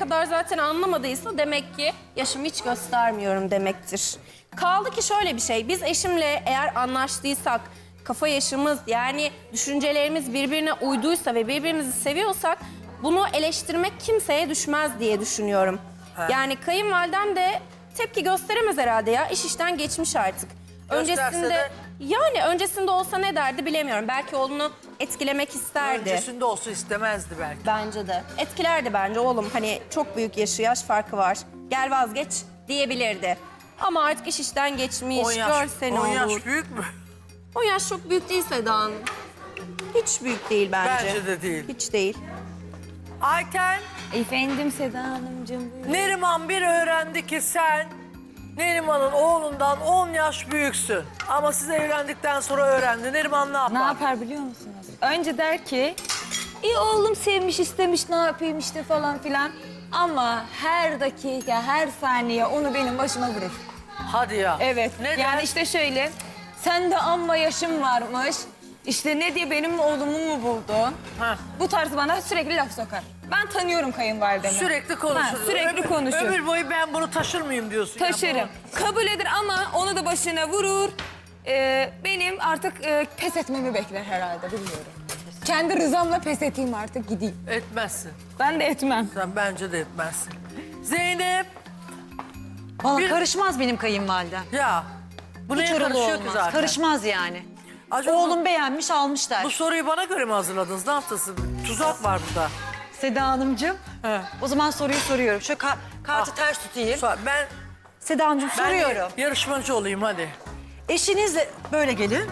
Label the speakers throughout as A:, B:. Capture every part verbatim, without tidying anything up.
A: kadar zaten anlamadıysa demek ki yaşımı hiç göstermiyorum demektir. Kaldı ki şöyle bir şey, biz eşimle eğer anlaştıysak, kafa yaşımız yani düşüncelerimiz birbirine uyduysa ve birbirimizi seviyorsak bunu eleştirmek kimseye düşmez diye düşünüyorum.
B: He.
A: Yani kayınvalidem de tepki gösteremez herhalde ya, iş işten geçmiş artık.
B: Gösterse
A: Öncesinde
B: de-
A: yani öncesinde olsa ne derdi bilemiyorum. Belki oğlunu etkilemek isterdi.
B: Öncesinde olsa istemezdi belki.
A: Bence de. Etkilerdi bence oğlum. Hani çok büyük yaşı, yaş farkı var. Gel vazgeç diyebilirdi. Ama artık iş işten geçmiş.
B: on yaş,
A: Görsene
B: on
A: olur.
B: yaş büyük mü?
A: on yaş çok büyük değil Seda Hanım. Hiç büyük değil bence.
B: Bence de değil.
A: Hiç değil.
B: Ayten,
C: Efendim Seda Hanımcığım buyurun.
B: Neriman bir öğrendi ki sen Neriman'ın oğlundan on yaş büyüksün. Ama siz evlendikten sonra öğrendi. Neriman ne yapar?
C: Ne yapar biliyor musunuz? Önce der ki, iyi oğlum sevmiş istemiş ne yapayım işte falan filan. Ama her dakika, her saniye onu benim başıma vurur.
B: Hadi ya.
C: Evet.
B: Neden?
C: Yani işte şöyle, sen de amma yaşım varmış. İşte ne diye benim oğlumu mu buldun?
B: Ha.
C: Bu tarz bana sürekli laf sokar. Ben tanıyorum kayınvalidemi.
B: Sürekli konuşur.
C: Ha, sürekli
B: ömür,
C: konuşur.
B: Ömür boyu ben bunu taşır mıyım diyorsun. ya.
C: Taşırım. Kabul eder ama onu da başına vurur. Ee, benim artık e, pes etmemi bekler herhalde bilmiyorum. Kendi rızamla pes eteyim artık gideyim.
B: Etmezsin.
C: Ben de etmem.
B: Sen bence de etmezsin. Zeynep.
D: Valla
B: Bir-
D: karışmaz benim kayınvalidem.
B: Ya. Bu
D: Hiç
B: neye
D: oralı
B: karışıyor ki
D: olmaz.
B: zaten?
D: Karışmaz yani.
B: Acaba
D: Oğlum beğenmiş almış der.
B: Bu soruyu bana göre mi hazırladınız? Ne yaptınız? Tuzak var burada.
D: Seda Hanımcığım.
B: He.
D: O zaman soruyu soruyorum. Şöyle ka- kartı
B: Ah.
D: ters tutayım.
B: Sor- Ben,
D: Seda Hanımcığım
B: ben
D: soruyorum.
B: yarışmacı olayım hadi.
D: Eşinizle böyle gelin.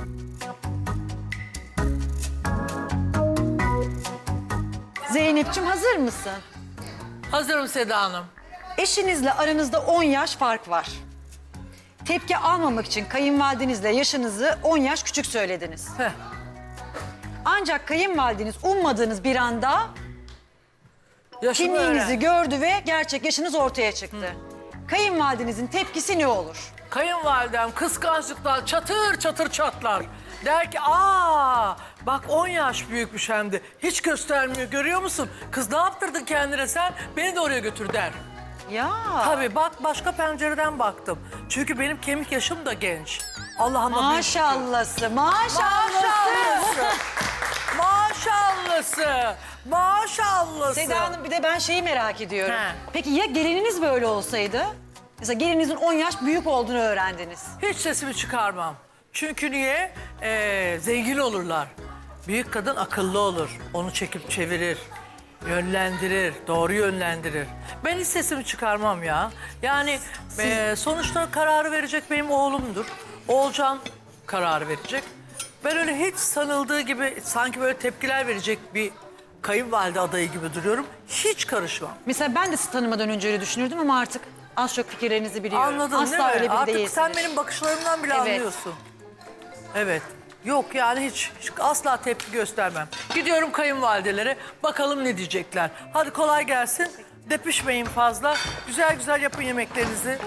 D: Zeynep'ciğim hazır mısın?
B: Hazırım Seda Hanım.
D: Eşinizle aranızda on yaş fark var. Tepki almamak için kayınvalidenizle yaşınızı on yaş küçük söylediniz.
B: Heh.
D: Ancak kayınvalideniz ummadığınız bir anda
B: Yaşımı
D: kimliğinizi
B: öğren.
D: gördü ve gerçek yaşınız ortaya çıktı. Kayınvalidenizin tepkisi ne olur?
B: Kayınvalidem kıskançlıktan çatır çatır çatlar. Der ki aa bak on yaş büyükmüş hem de. Hiç göstermiyor görüyor musun? Kız ne yaptırdın kendine sen? Beni de oraya götür der.
D: Ya.
B: Tabii bak başka pencereden baktım. Çünkü benim kemik yaşım da genç. Allah'ıma büyük şükür.
D: Maşallahsı, maşallahsı.
B: Maşallahsı. Maşallahsı. Maşallahsı.
D: Seda Hanım bir de ben şeyi merak ediyorum.
B: He.
D: Peki ya gelininiz böyle olsaydı? Mesela gelininizin on yaş büyük olduğunu öğrendiniz.
B: Hiç sesimi çıkarmam. Çünkü niye? Ee, zengin olurlar. Büyük kadın akıllı olur. Onu çekip çevirir. Yönlendirir. Doğru yönlendirir. Ben hiç sesimi çıkarmam ya. Yani ee, sonuçta kararı verecek benim oğlumdur. Oğulcan kararı verecek. Ben öyle hiç sanıldığı gibi sanki böyle tepkiler verecek bir kayınvalide adayı gibi duruyorum. Hiç karışmam.
D: Mesela ben de sizi tanımadan önce öyle düşünürdüm ama artık az çok fikirlerinizi biliyorum.
B: Anladın
D: Asla
B: değil mi?
D: öyle biri
B: Artık
D: değilsiniz.
B: sen benim bakışlarımdan bile
D: Evet.
B: anlıyorsun. Evet. Yok yani hiç, hiç asla tepki göstermem. Gidiyorum kayınvalidelere bakalım ne diyecekler. Hadi kolay gelsin. Depişmeyin fazla. Güzel güzel yapın yemeklerinizi.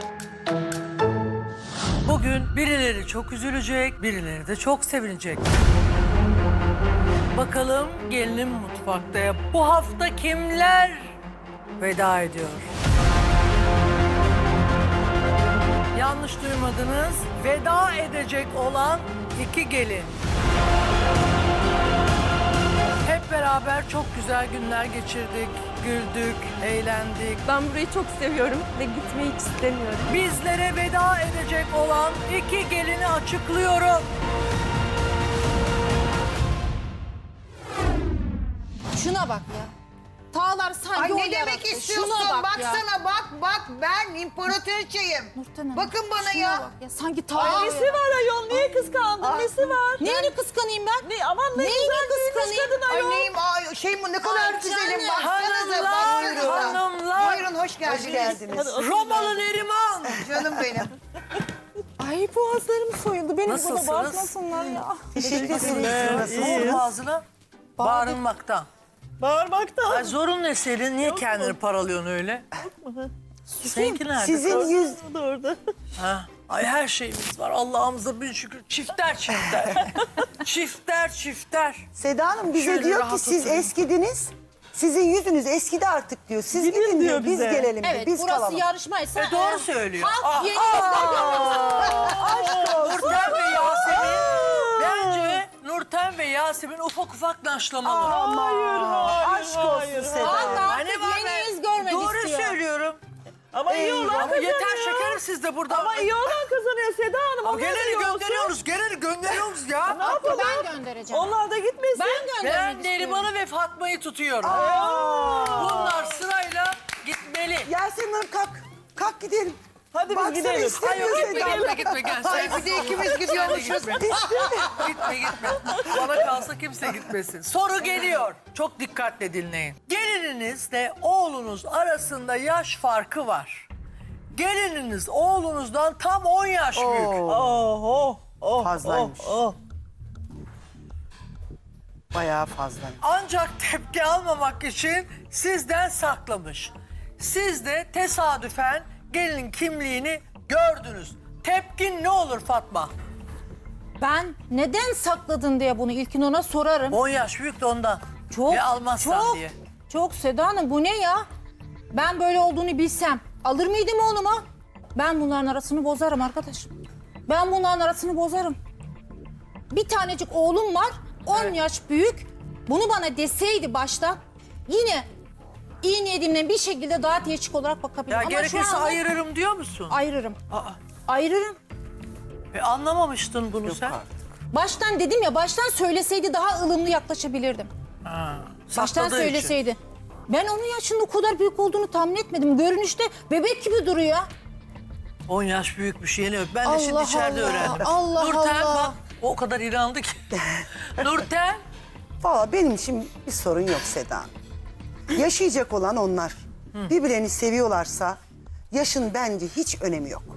B: Bugün birileri çok üzülecek, birileri de çok sevinecek. Bakalım gelinim mutfakta. Bu hafta kimler veda ediyor? Yanlış duymadınız. Veda edecek olan iki gelin. Hep beraber çok güzel günler geçirdik. Güldük, eğlendik.
A: Ben burayı çok seviyorum ve gitmeyi hiç istemiyorum.
B: Bizlere veda edecek olan iki gelini açıklıyorum.
E: Şuna bak ya. Tağlar sanki
F: Ay
E: o
F: ne demek
E: yarattı.
F: istiyorsun?
E: Şuna bak ya.
F: Baksana bak bak ben imparatoriçeyim.
E: Nurten Hanım,
F: Bakın bana
E: şuna
F: ya.
E: bak ya. Sanki tağ.
F: Aa,
E: Nesi var ayol? Niye kıskandın? Nesi var? Neyini kıskanayım ben? Ne, aman ne
F: Neyini
E: güzel
F: kıskanayım?
E: kıskanın
F: Ay
E: ayol.
F: neyim? Ay, şey mi ne kadar
E: Ay
F: güzelim.
E: canım.
F: Baksanıza
B: Hanımlar,
F: baksanıza.
B: hanımlar.
F: Buyurun hoş geldiniz.
B: Romalı Neriman.
F: Canım benim.
E: Ay boğazlarım soyuldu. Beni
B: Nasılsınız?
E: buna bakmasınlar ya.
F: Teşekkür ederim.
B: Ne oldu ağzına? Bağırmaktan.
E: Bağırmaktan.
B: Ay zorun ne senin? Niye kendini paralıyorsun öyle? Seninki nerede?
E: Sizin yüz... orada.
B: Ha? Ay her şeyimiz var. Allah'ımıza bin şükür. Çifter çifter. çifter çifter.
G: Seda Hanım bize
B: Şöyle
G: diyor
B: rahat
G: ki siz
B: oturayım.
G: eskidiniz.
F: Sizin yüzünüz eskidi artık diyor. Siz
E: Gidin
F: gidin diyor,
E: diyor
F: biz
E: bize.
F: gelelim diyor.
G: Evet,
F: Biz
G: burası
F: kalalım.
G: yarışmaysa...
B: E, doğru
G: e,
B: söylüyor.
G: Halk
B: Aa,
G: yeni izlemiyor.
B: Nurten ve Yasemin, bence Nurten ve Yasemin ufak ufak naşlamalı.
E: Hayır, hayır,
F: Aşk olsun
E: hayır,
F: Seda.
G: Halk
B: Anne
G: artık
B: var
G: yeni
B: be.
G: yüz görmek
B: Doğru
G: istiyor.
B: söylüyorum.
E: Ama iyi olan
B: Ama
E: kazanıyor.
B: yeter şekerim siz de burada.
E: Ama iyi olan kazanıyor Seda Hanım.
B: Ama
E: O
B: geleni
E: geleni
B: gönderiyoruz, geleni gönderiyoruz ya.
G: Hakkı ben göndereceğim.
E: Onlar da gitmesin.
G: Ben göndermek
B: Ben
G: istiyorum.
B: Neriman'ı ve Fatma'yı tutuyorum. Bunlar sırayla gitmeli.
F: Yasemin Hanım kalk. Kalk gidelim.
E: Hadi biz
F: Baksana
E: gidelim.
B: Ay
F: istemiyor
B: yok gitme
F: Seda.
B: gitme gitme gel.
F: Ay bir de ikimiz gidiyormuşuz.
B: Gitme gitme. Bana kalsa kimse gitmesin. Soru geliyor. Çok dikkatle dinleyin. Gelininizle oğlunuz arasında yaş farkı var. Gelininiz oğlunuzdan tam on yaş büyük.
E: Oh, oh, oh,
F: Fazlaymış.
E: Oh, oh.
F: Bayağı fazla.
B: Ancak tepki almamak için sizden saklamış. Siz de tesadüfen gelinin kimliğini gördünüz. Tepkin ne olur Fatma?
G: Ben neden sakladın diye bunu ilkin ona sorarım.
B: on yaş büyük de ondan.
G: Çok,
B: Ve almazsan
G: çok,
B: diye.
G: çok Seda Hanım bu ne ya? Ben böyle olduğunu bilsem alır mıydım oğluma? Ben bunların arasını bozarım arkadaş. Ben bunların arasını bozarım. Bir tanecik oğlum var, on yaş büyük. Bunu bana deseydi başta yine iyi niyetimle bir şekilde daha teşvik olarak bakabilirim.
B: Ya
G: Ama
B: gerekirse
G: şu anda
B: ayırırım diyor musun?
G: ayırırım.
B: Aa,
G: Ayırırım.
B: e, anlamamıştın bunu sen.
G: Baştan dedim ya, baştan söyleseydi daha ılımlı yaklaşabilirdim.
B: Ha,
G: Baştan
B: sakladığı için.
G: söyleseydi. Ben onun yaşının o kadar büyük olduğunu tahmin etmedim. Görünüşte bebek gibi duruyor.
B: on yaş büyükmüş yeni öp. Ben de şimdi
G: Allah
B: içeride
G: Allah,
B: öğrendim.
G: Allah
B: Nurten
G: Allah.
B: bak o kadar inandı ki. Nurten
F: Valla benim için bir sorun yok Seda Hanım. Yaşayacak olan onlar. Birbirlerini seviyorlarsa yaşın bence hiç önemi yok.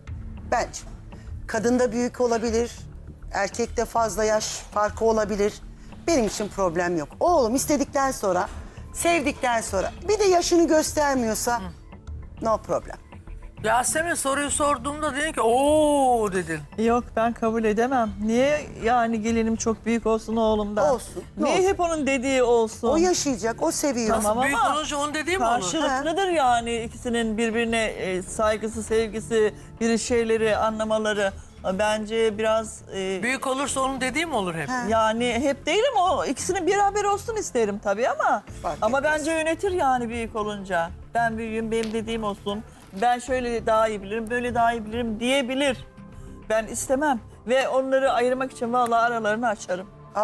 F: Bence. Kadında büyük olabilir, erkekte fazla yaş farkı olabilir. Benim için problem yok. Oğlum istedikten sonra, sevdikten sonra bir de yaşını göstermiyorsa no problem.
B: Yasemin soruyu sorduğumda dedin ki ooo dedin.
E: Yok ben kabul edemem. Niye yani gelinim çok büyük olsun oğlumdan?
F: Olsun, ne
E: Niye
F: olsun?
E: hep onun dediği olsun?
F: O yaşayacak, o seviyor.
E: Tamam
B: Büyük
E: ama
B: olunca onu dediğim mi olur?
E: karşılıklıdır yani ikisinin birbirine e, saygısı, sevgisi, bir şeyleri anlamaları. Bence biraz e,
B: Büyük olursa onun dediği mi olur hep?
E: yani hep değilim o ikisinin beraber olsun isterim tabii ama
F: Fark
E: ama
F: etmez.
E: bence yönetir yani büyük olunca. Ben büyüğüm benim dediğim olsun. Ben şöyle daha iyi bilirim, böyle daha iyi bilirim diyebilir. Ben istemem ve onları ayırmak için vallahi aralarını açarım.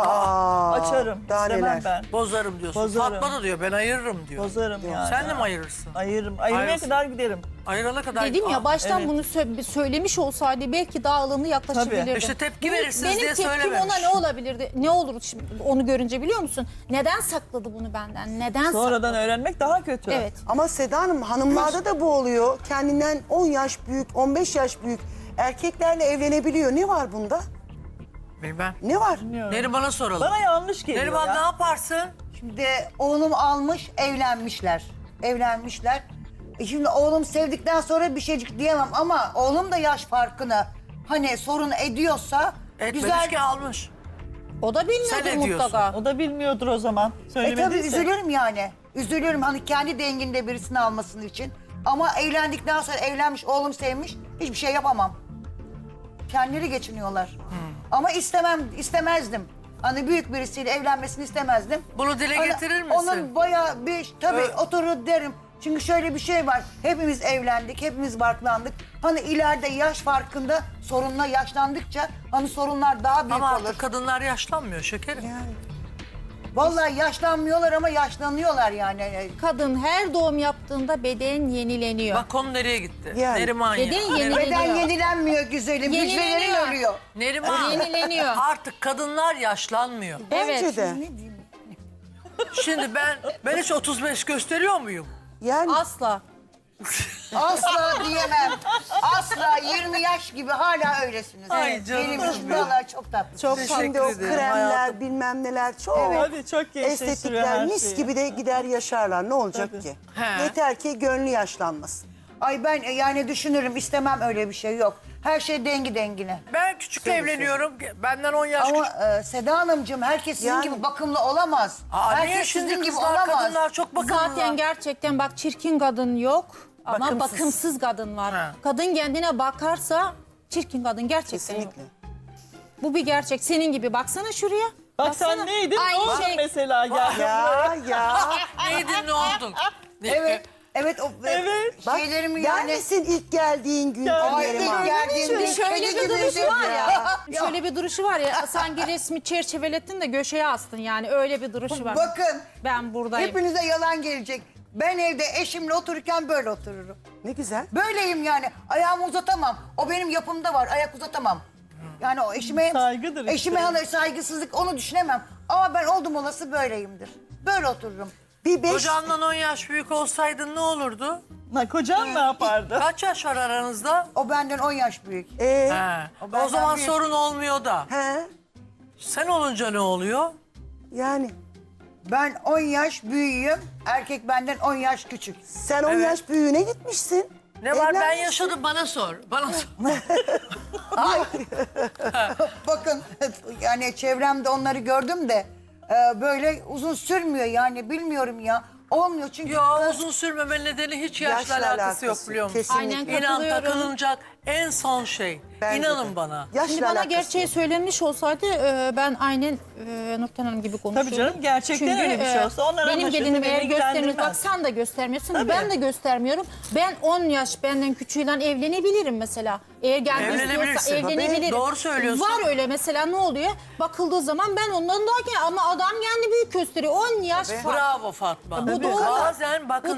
F: Aa,
E: Açarım.
F: daha
E: istemem
F: neler.
E: ben.
B: Bozarım diyorsun.
E: Bozarım.
B: Fatma da diyor ben ayırırım diyor.
E: Bozarım yani.
B: Sen de mi ayırırsın?
E: Ayırırım. Ayırmaya
B: Ayırsın.
E: kadar giderim.
B: Ayırana kadar.
G: Dedim ya
B: Aa,
G: baştan
E: evet.
G: bunu sö- söylemiş olsaydı belki daha ılımlı yaklaşabilirdim.
E: Tabii.
B: İşte tepki
G: Benim-
B: verirsiniz diye
G: Benim tepkim
B: söylememiş.
G: ona ne olabilirdi? Ne olur şimdi onu görünce biliyor musun? Neden sakladı bunu benden? Neden
E: Sonradan
G: sakladı?
E: öğrenmek daha kötü.
G: Evet.
F: Ama Seda Hanım hanımlarda da bu oluyor. Kendinden on yaş büyük, on beş yaş büyük erkeklerle evlenebiliyor. Ne var bunda?
B: Bilmem.
F: Ne var?
B: Neriman'a soralım.
E: Bana yanlış geliyor
B: Neriman
E: ya.
B: ne yaparsın?
H: Şimdi oğlum almış, evlenmişler. Evlenmişler. E şimdi oğlum sevdikten sonra bir şeycik diyemem ama oğlum da yaş farkını hani sorun ediyorsa
B: Etmemiş
H: güzel.
B: ki almış.
G: O da
B: Sen
G: bilmiyordur
B: ne diyorsun?
G: mutlaka.
E: O da bilmiyordur o zaman.
H: E tabii
E: Söylemediyse.
H: üzülürüm yani. Üzülürüm hani kendi denginde birisini almasının için. Ama evlendikten sonra evlenmiş, oğlum sevmiş hiçbir şey yapamam. Kendileri geçiniyorlar. Ama istemem, istemezdim. Hani büyük birisiyle evlenmesini istemezdim.
B: Bunu dile
H: Hani
B: getirir misin?
H: Onun bayağı bir tabii
B: Evet.
H: oturur derim. Çünkü şöyle bir şey var. Hepimiz evlendik, hepimiz barklandık. Hani ileride yaş farkında sorunla yaşlandıkça hani sorunlar daha büyük
B: Ama
H: olur.
B: artık kadınlar yaşlanmıyor şekerim.
H: Vallahi yaşlanmıyorlar ama yaşlanıyorlar yani.
G: Kadın her doğum yaptığında beden yenileniyor.
B: Bak konu nereye gitti?
F: Yani.
B: Neriman ya.
G: Beden
B: Neriman-
G: yenileniyor.
H: Beden yenilenmiyor güzelim.
G: Yenileniyor.
H: Hücrelerin ölüyor.
B: Neriman.
G: Yenileniyor.
B: Artık kadınlar yaşlanmıyor.
F: Bence
G: Evet.
F: de.
B: Şimdi ben ben hiç otuz beş gösteriyor muyum?
F: Yani
G: Asla.
H: Asla diyemem. Asla yirmi yaş gibi hala öylesiniz.
B: Ay canım
H: Benim için
B: benim.
H: vallahi çok tatlı.
F: çok
B: Teşekkür
F: şimdi o
B: ederim
F: kremler
B: hayatım.
F: bilmem neler çok.
E: Tabii çok gençleştiriyor
F: Estetikler
E: her
F: mis
E: şeyi.
F: gibi de gider yaşarlar. Ne olacak
E: Tabii.
F: ki?
B: He.
F: Yeter ki gönlü yaşlanmasın.
H: Ay ben e, yani düşünürüm, istemem, öyle bir şey yok. Her şey dengi dengine.
B: Ben küçük evleniyorum. Benden on yaş küçük.
H: Ama e, Seda Hanımcığım, herkes sizin
F: Yani-
H: gibi bakımlı olamaz.
B: Aa, niye
H: herkes
B: şimdi
H: sizin gibi
B: kızlar,
H: olamaz.
B: kadınlar çok bakımlılar.
G: Zaten gerçekten bak çirkin kadın yok ama
F: Bakımsız.
G: bakımsız, kadın var.
B: Ha.
G: Kadın kendine bakarsa çirkin kadın gerçekten yok.
F: Kesinlikle.
G: Bu bir gerçek. Senin gibi baksana şuraya.
E: Bak
G: Baksana.
E: sen neydin?
G: Aynı
E: Ne oldu
G: şey.
E: mesela? Gel.
F: Ya ya.
B: Neydin ne oldun?
H: Evet. Evet, o,
E: Evet.
F: Bak,
H: şeylerim
F: ben
H: yani.
F: misin ilk geldiğin gün?
H: Ay,
F: Yerim
H: ilk
F: ağrıyor.
H: geldiğimde
G: Şöyle
H: kedi
G: bir
H: gibiydim.
G: duruşu var ya. Şöyle bir duruşu var ya. Sanki resmi çerçevelettin de göşeye astın yani. Öyle bir duruşu var.
H: Bakın,
G: Ben buradayım.
H: hepinize yalan gelecek. Ben evde eşimle otururken böyle otururum.
F: Ne güzel.
H: Böyleyim yani. Ayağımı uzatamam. O benim yapımda var. Ayak uzatamam. Yani o eşime...
E: Saygıdır işte.
H: Eşime hani saygısızlık, onu düşünemem. Ama ben oldum olası böyleyimdir. Böyle otururum.
F: Bir beş...
B: Kocandan on yaş büyük olsaydın ne olurdu?
E: Ha, kocan ne yapardı?
B: Kaç yaş var aranızda?
H: O benden on yaş büyük.
F: Ee,
B: He.
H: O
B: O,
H: benden
B: zaman
H: büyük.
B: sorun olmuyor da.
F: he,
B: Sen olunca ne oluyor?
F: yani
H: Ben on yaş büyüğüm. Erkek benden on yaş küçük.
F: sen on
B: Evet.
F: yaş büyüğüne gitmişsin.
B: Ne var ben
F: Evlenmişsin.
B: yaşadım bana sor. Bana sor.
H: Bakın yani çevremde onları gördüm de e, böyle uzun sürmüyor yani, bilmiyorum ya. Olmuyor çünkü...
B: Ya uzun sürmeme nedeni hiç yaşla,
F: Yaşla
B: alakası, yok biliyor musun?
F: Kesinlikle.
G: Aynen.
B: İnan
G: Katılıyorum.
B: takılınacak en son şey.
F: Bence
B: İnanın
F: de.
B: bana.
F: Yaşla
G: Şimdi bana
F: alakası
G: gerçeği
F: yok.
G: söylenmiş olsaydı e, ben aynen e, Nurten Hanım gibi konuşurdum.
E: Tabii canım, gerçekten öyle bir şey olsa onlar
G: benim
E: anlaşırsa
G: gelinim
E: beni
G: eğer göstermiyor.
E: ilgilendirmez.
G: Bak sen de göstermiyorsun.
E: Tabii.
G: Ben de göstermiyorum. Ben on yaş benden küçüğüyle evlenebilirim mesela. Eğer gelmek istiyorsa
B: Evlenebilirsin.
G: evlenebilirim.
B: Tabii, doğru söylüyorsun.
G: Var öyle mesela, ne oluyor? Bakıldığı zaman ben ondan daha genç ama adam kendi büyük gösteriyor. on yaş fark.
B: Bravo Fatma.
G: Bu doğru.
B: Bazen bakın